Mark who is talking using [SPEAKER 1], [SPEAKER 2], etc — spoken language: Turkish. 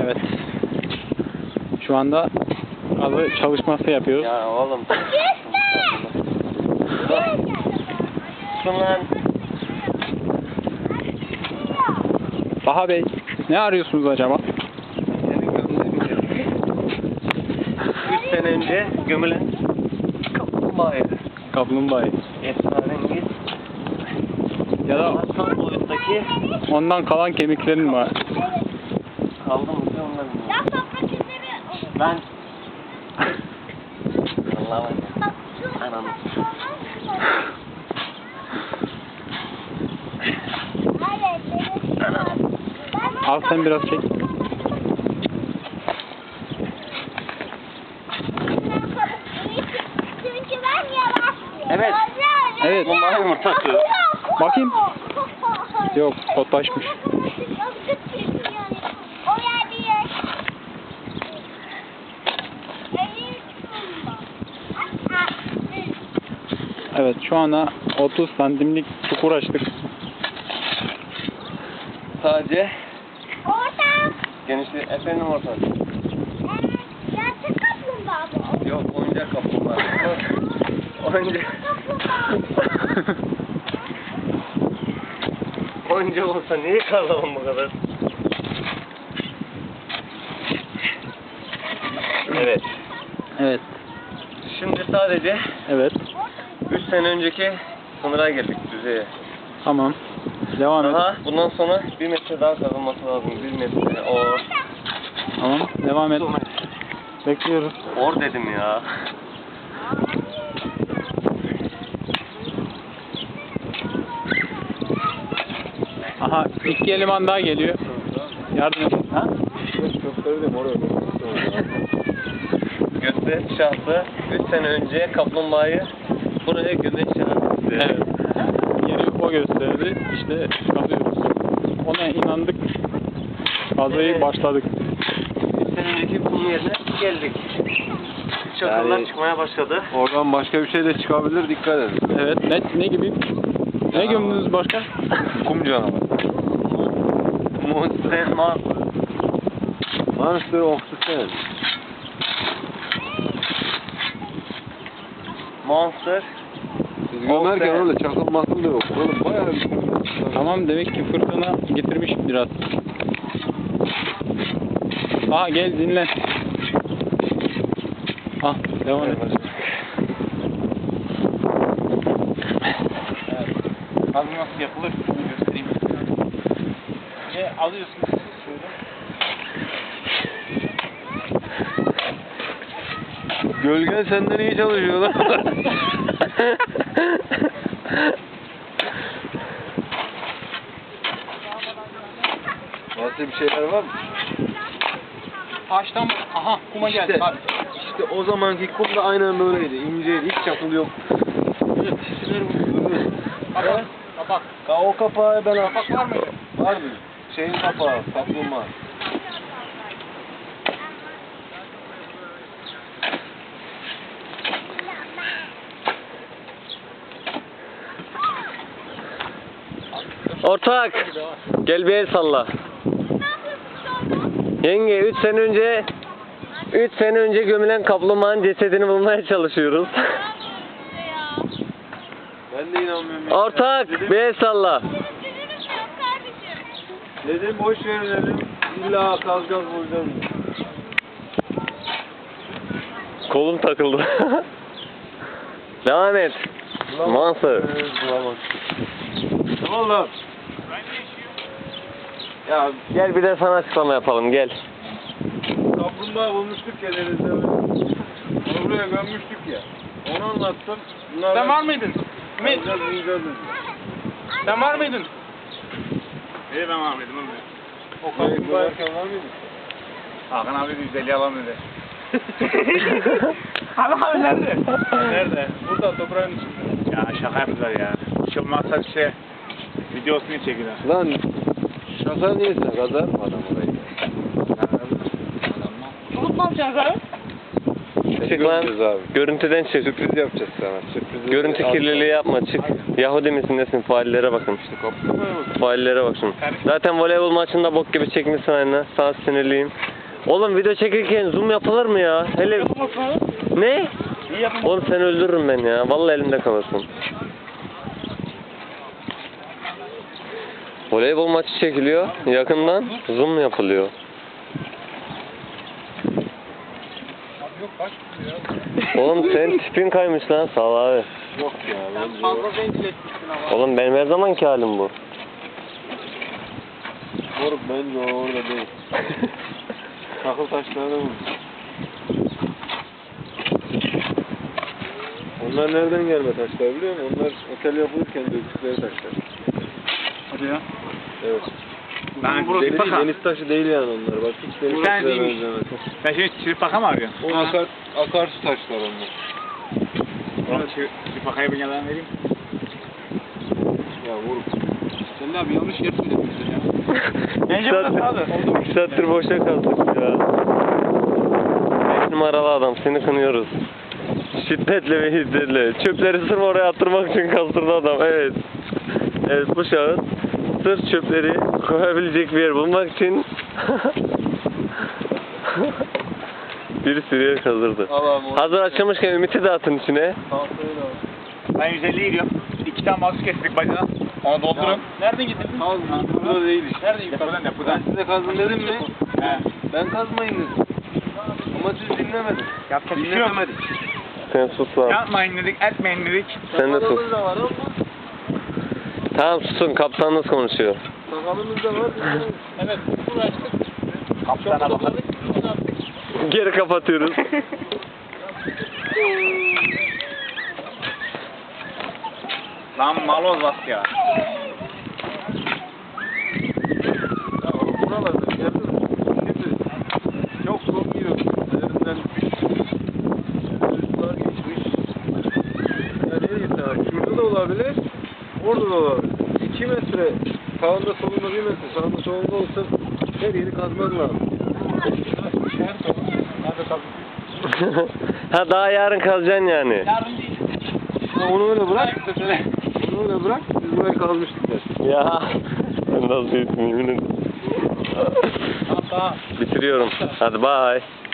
[SPEAKER 1] Evet. Şu anda kazı çalışması yapıyoruz.
[SPEAKER 2] Ya oğlum. Şunlar.
[SPEAKER 1] Baha Bey, ne arıyorsunuz acaba?
[SPEAKER 2] 3 sene önce gömülen kaplumbağayı.
[SPEAKER 1] Kaplumbağayı.
[SPEAKER 2] Esrarengiz.
[SPEAKER 1] Ya da
[SPEAKER 2] Aslan boyuttaki
[SPEAKER 1] ondan kalan kemiklerin var.
[SPEAKER 2] kaldı mı ki ondan bilmiyorum. Ben Allah'ım. Anam.
[SPEAKER 1] Al sen biraz çek.
[SPEAKER 2] Evet.
[SPEAKER 1] Evet.
[SPEAKER 2] Bunlar yumurta atıyor.
[SPEAKER 1] Bakayım. Yok, kotlaşmış. Evet, şu ana 30 santimlik çukur açtık.
[SPEAKER 2] Sadece genişliği efendim ortak.
[SPEAKER 3] Gerçek kaplumbağa bu.
[SPEAKER 2] Yok oyuncak kaplumbağa. Oyuncak. Oyuncak olsa niye karlamam bu kadar? Evet.
[SPEAKER 1] Evet.
[SPEAKER 2] Şimdi sadece
[SPEAKER 1] Evet.
[SPEAKER 2] 3 sene önceki sınıra geldik düzeye.
[SPEAKER 1] Tamam. Devam et.
[SPEAKER 2] Daha bundan sonra 1 metre daha kazılması lazım. 1 metre.
[SPEAKER 1] Tamam. Devam et. Bekliyoruz.
[SPEAKER 2] Or dedim ya.
[SPEAKER 1] Aha, iki eleman daha geliyor. Yardım et. Ha?
[SPEAKER 2] Göster şahsı 3 sene önce kaplumbağayı buraya gömeç şahsı.
[SPEAKER 1] Evet. Yeri o gösterdi. İşte kazıyoruz. Ona inandık. Kazıyı başladık.
[SPEAKER 2] 3 sene önceki kum yerine geldik. Çakıllar
[SPEAKER 4] Yani-
[SPEAKER 2] çıkmaya başladı.
[SPEAKER 4] Oradan başka bir şey de çıkabilir, dikkat edin.
[SPEAKER 1] Evet. Ne gibi? Ne gömdünüz başka?
[SPEAKER 4] Kum canavarı.
[SPEAKER 2] Monster
[SPEAKER 4] Monster of the Sand.
[SPEAKER 2] Monster.
[SPEAKER 4] Siz gömerken
[SPEAKER 2] Of be.
[SPEAKER 4] öyle çakılmasın da yok. Oğlum bayağı bir kum.
[SPEAKER 1] Tamam, demek ki fırtına getirmiş biraz. Aha, gel dinlen. Ah, devam et. Evet. Kazı nasıl yapılır? Bunu göstereyim. Alıyorsunuz şöyle.
[SPEAKER 4] Gölgen senden iyi çalışıyor lan. Başka bir şeyler var mı?
[SPEAKER 1] Taştan, aha kuma geldi.
[SPEAKER 4] İşte,
[SPEAKER 1] Hadi.
[SPEAKER 4] işte o zamanki kum da aynen böyleydi. İnceydi, hiç çakıl yok. Evet, şişeler bu.
[SPEAKER 1] Kapak, kapak.
[SPEAKER 4] O kapağı ben
[SPEAKER 1] Kapak var mıydı?
[SPEAKER 4] Var mı? Şeyin kapağı, kaplumbağa.
[SPEAKER 2] Ortak. Gel bir el salla. Yenge 3 sene önce gömülen kaplumbağanın cesedini bulmaya çalışıyoruz.
[SPEAKER 4] Ben de inanmıyorum. ya.
[SPEAKER 2] Ortak
[SPEAKER 4] Dedim,
[SPEAKER 2] bir el salla.
[SPEAKER 4] dedim boş verin dedim. İlla kalacağız bulacağız.
[SPEAKER 2] Kolum takıldı. Devam et. Monster.
[SPEAKER 4] Bulamaz. Ne oldu?
[SPEAKER 2] Ya gel bir de sana açıklama yapalım gel.
[SPEAKER 4] Kaplumbağa bulmuştuk ya denizde. Onu buraya gömmüştük ya. Onu anlattım. Bunlar
[SPEAKER 1] Sen var mıydın? Ümit,
[SPEAKER 4] Bulacağız.
[SPEAKER 1] sen var mıydın?
[SPEAKER 5] İyi ben Ahmet'im oğlum.
[SPEAKER 1] O
[SPEAKER 4] Kaplumbağa var mıydı?
[SPEAKER 5] Hakan abi 150 alalım dedi.
[SPEAKER 1] Abi nerede?
[SPEAKER 5] Nerede?
[SPEAKER 1] Burada, toprağın içinde.
[SPEAKER 5] Ya şaka yaptılar ya. Hiç olmazsa bir şey videosunu çekiyorlar.
[SPEAKER 4] Lan şaka neyse kazar mı adam orayı?
[SPEAKER 1] Unutmamışsınız abi.
[SPEAKER 2] Çık lan.
[SPEAKER 4] Göreceğiz abi.
[SPEAKER 2] Görüntüden çık.
[SPEAKER 4] Sürpriz yapacağız sana. Sürpriz.
[SPEAKER 2] Görüntü kirliliği yapma, çık. Yahudi misin nesin? Faillere bakın.
[SPEAKER 4] Kaplumbağaya bak.
[SPEAKER 2] Faillere bak şunu. Zaten voleybol maçında bok gibi çekmişsin aynı. Sana sinirliyim. Oğlum video çekirken zoom yapılır mı ya? Hele... Ne? Oğlum seni öldürürüm ben ya. Vallahi elimde kalırsın. Voleybol maçı çekiliyor. Yakından zoom yapılıyor. Oğlum senin tipin kaymış lan, sağ ol abi.
[SPEAKER 4] Yok ya.
[SPEAKER 1] Sen fazla zencileşmişsin ama.
[SPEAKER 2] Oğlum benim her zamanki halim bu.
[SPEAKER 4] Moruk bence o orada değil. Takıl taşlarına vurmuş. Onlar nereden gelme taşlar biliyor musun? Onlar otel yapılırken döktükleri taşlar.
[SPEAKER 1] Hadi ya.
[SPEAKER 4] Evet.
[SPEAKER 5] Ben
[SPEAKER 4] Deniz,
[SPEAKER 5] çirpaka.
[SPEAKER 4] deniz taşı değil yani onlar. Bak hiç deniz
[SPEAKER 5] Sen
[SPEAKER 4] taşına
[SPEAKER 5] değilmiş.
[SPEAKER 4] benzemez.
[SPEAKER 5] Ben şimdi çirpaka mı arıyorum?
[SPEAKER 4] O akarsu taşlar onlar.
[SPEAKER 5] Oğlum çirpakaya bir yalan vereyim.
[SPEAKER 4] Ya vuruk.
[SPEAKER 1] Sen de abi yanlış yer söylemişsin ya.
[SPEAKER 5] Bence burası abi.
[SPEAKER 2] 2 saattir boşa kaldık ya. 5 numaralı adam, seni kınıyoruz. Şiddetle ve hiddetle. Çöpleri sırf oraya attırmak için kaldırdı adam, evet. Evet, bu şahıs sırf çöpleri koyabilecek bir yer bulmak için bir sürü yer kazdırdı.
[SPEAKER 4] Allah'ım o.
[SPEAKER 2] Hazır açılmışken Ümit'i de atın içine.
[SPEAKER 4] Tahtayı da al.
[SPEAKER 5] Ben 150'ye gidiyorum. 2 tane mahsus kestik bacana. Onu doldurun.
[SPEAKER 1] Nereden getirdin?
[SPEAKER 4] Kaz burada değil işte.
[SPEAKER 1] Nereden getirdin?
[SPEAKER 5] Depodan depodan.
[SPEAKER 4] Ben size kazın dedim mi?
[SPEAKER 5] He.
[SPEAKER 4] Ben kazmayın dedim. Ama siz dinlemedin.
[SPEAKER 5] Yapacak bir şey yok.
[SPEAKER 4] Dinlemedik.
[SPEAKER 2] Sen sus lan.
[SPEAKER 5] Yapmayın dedik, etmeyin dedik.
[SPEAKER 2] Sen de sus.
[SPEAKER 4] Sakalımız da var ama
[SPEAKER 2] Tamam susun, kaptanınız konuşuyor.
[SPEAKER 4] sakalımız da var.
[SPEAKER 1] Evet. Uğraştık.
[SPEAKER 5] Kaptana bakalım.
[SPEAKER 2] Geri kapatıyoruz.
[SPEAKER 5] Lan maloz bas ya.
[SPEAKER 4] Ya buralarda bir yerde mi? Şimdi çok zor yiyor. Üzerinden rüzgar geçmiş. Ya nereye gitti abi? Şurada da olabilir. Orada da olabilir. 2 metre sağında solunda 1 metre sağında solunda olsa her yeri kazman lazım.
[SPEAKER 2] Ha daha yarın kalacaksın yani.
[SPEAKER 1] Yarın değil.
[SPEAKER 4] Ha, onu öyle bırak. Onu öyle bırak. Biz burayı kazmıştık der.
[SPEAKER 2] Ya ben nasıl yemin ederim.
[SPEAKER 1] Tamam.
[SPEAKER 2] Bitiriyorum. Hadi bye.